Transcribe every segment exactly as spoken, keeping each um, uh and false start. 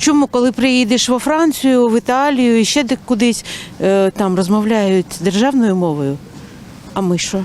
Чому, коли приїдеш во Францію, в Італію і ще де кудись, е, там розмовляють державною мовою? А ми що?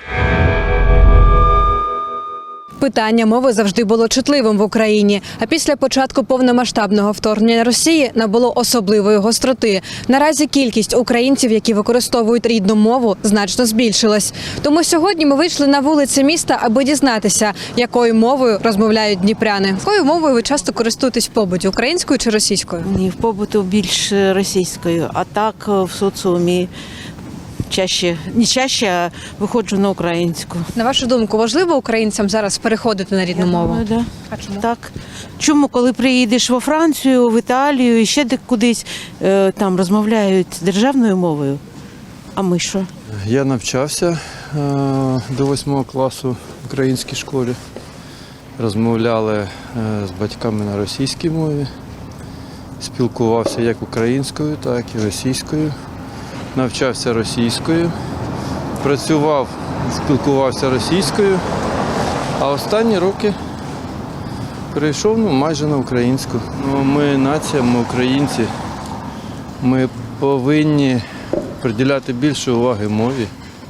Питання мови завжди було чутливим в Україні, а після початку повномасштабного вторгнення Росії набуло особливої гостроти. Наразі кількість українців, які використовують рідну мову, значно збільшилась. Тому сьогодні ми вийшли на вулиці міста, аби дізнатися, якою мовою розмовляють дніпряни. Якою мовою ви часто користуєтесь в побуті – українською чи російською? Ні, в побуту більш російською, а так в соціумі чаще, не чаще, а виходжу на українську. На вашу думку, важливо українцям зараз переходити на рідну Я мову? думаю, да. А чому? Так. Чому, коли приїдеш во Францію, в Італію і ще де кудись, е, там розмовляють державною мовою? А ми що? Я навчався е, до восьмого класу в українській школі. Розмовляли е, з батьками на російській мові. Спілкувався як українською, так і російською. Навчався російською. Працював, спілкувався російською. А останні роки перейшов ну, майже на українську. Ну, ми нація, ми українці. Ми повинні приділяти більше уваги мові.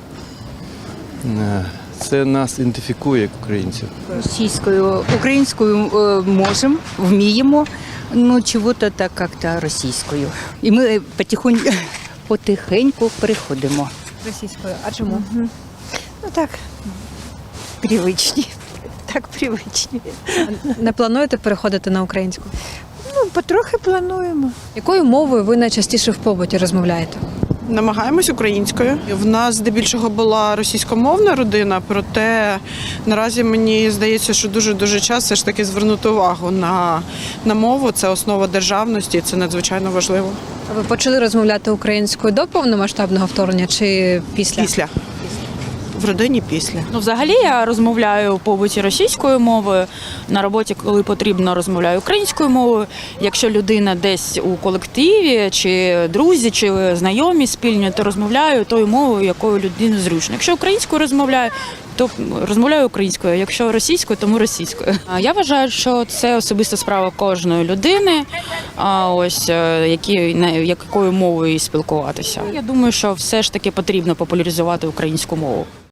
Це нас ідентифікує як українців. Російською, українською е, можемо, вміємо, ну чого-то так як-то російською. І ми потихоньку, потихеньку переходимо. Російською. А чому? Ну так, привичні. Так, привичні. Не плануєте переходити на українську? Ну, потрохи плануємо. Якою мовою ви найчастіше в побуті розмовляєте? Намагаємось українською. В нас здебільшого була російськомовна родина, проте наразі мені здається, що дуже-дуже час все ж таки звернути увагу на, на мову. Це основа державності, це надзвичайно важливо. А ви почали розмовляти українською до повномасштабного вторгнення чи після? Після. В родині після. Ну, взагалі я розмовляю в побуті російською мовою, на роботі, коли потрібно, розмовляю українською мовою. Якщо людина десь у колективі, чи друзі, чи знайомі спільні, то розмовляю тою мовою, якою людині зручно. Якщо українською розмовляю, то розмовляю українською, якщо російською, тому російською. Я вважаю, що це особиста справа кожної людини, ось які, якою мовою спілкуватися. Я думаю, що все ж таки потрібно популяризувати українську мову.